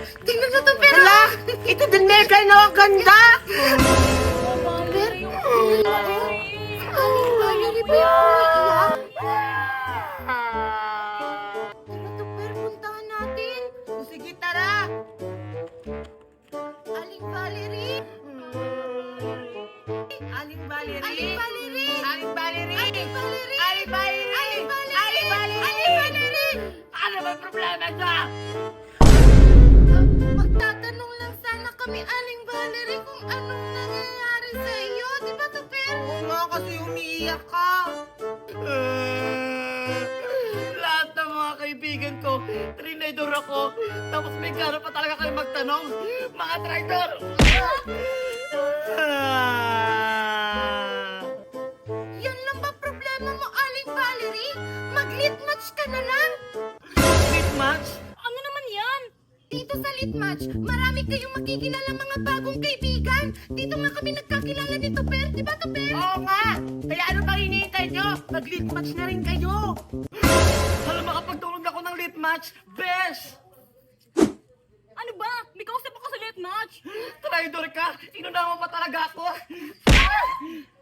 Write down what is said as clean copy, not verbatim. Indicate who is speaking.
Speaker 1: Tingnan mo to, pero...
Speaker 2: Hala! Ito din mega no, ang ganda!
Speaker 1: Aling Valerie ba yung umiiyak? Tara to, pero puntahan natin.
Speaker 2: Sige, tara!
Speaker 1: Aling Valerie!
Speaker 2: Aling Valerie!
Speaker 1: Aling Valerie!
Speaker 2: Aling Valerie!
Speaker 1: Aling Valerie!
Speaker 2: Aling Valerie!
Speaker 1: Aling Valerie!
Speaker 2: Aling Valerie!
Speaker 1: Aling Valerie!
Speaker 2: Ano ba yung problema nyo?
Speaker 1: Magtatanong lang sana kami, Aling Valerie, kung anong nangyayari sa iyo. Di ba, Tuper?
Speaker 2: Oo nga, kasi umiiyak ka. Lahat ng mga kaibigan ko, trinidor ako. Tapos may gano'n pa talaga kayo magtanong. Mga traitor!
Speaker 1: Yan lang ba problema mo, Aling Valerie? Mag-lit match ka na lang.
Speaker 2: Sweet match?
Speaker 1: Ano naman yan? Dito sa lit match, marami kayong makikilala mga bagong kaibigan. Dito nga kami nagkakilala ni Tuper. Di ba, Tuper?
Speaker 2: Oo nga! Kaya ano pang hinihintay nyo? Mag-lead match na rin kayo! Alam, makapagtulog ako ng lead match, best!
Speaker 1: Ano ba? May kausap ako sa lit match.
Speaker 2: Traitor ka! Inunahan mo pa talaga ako!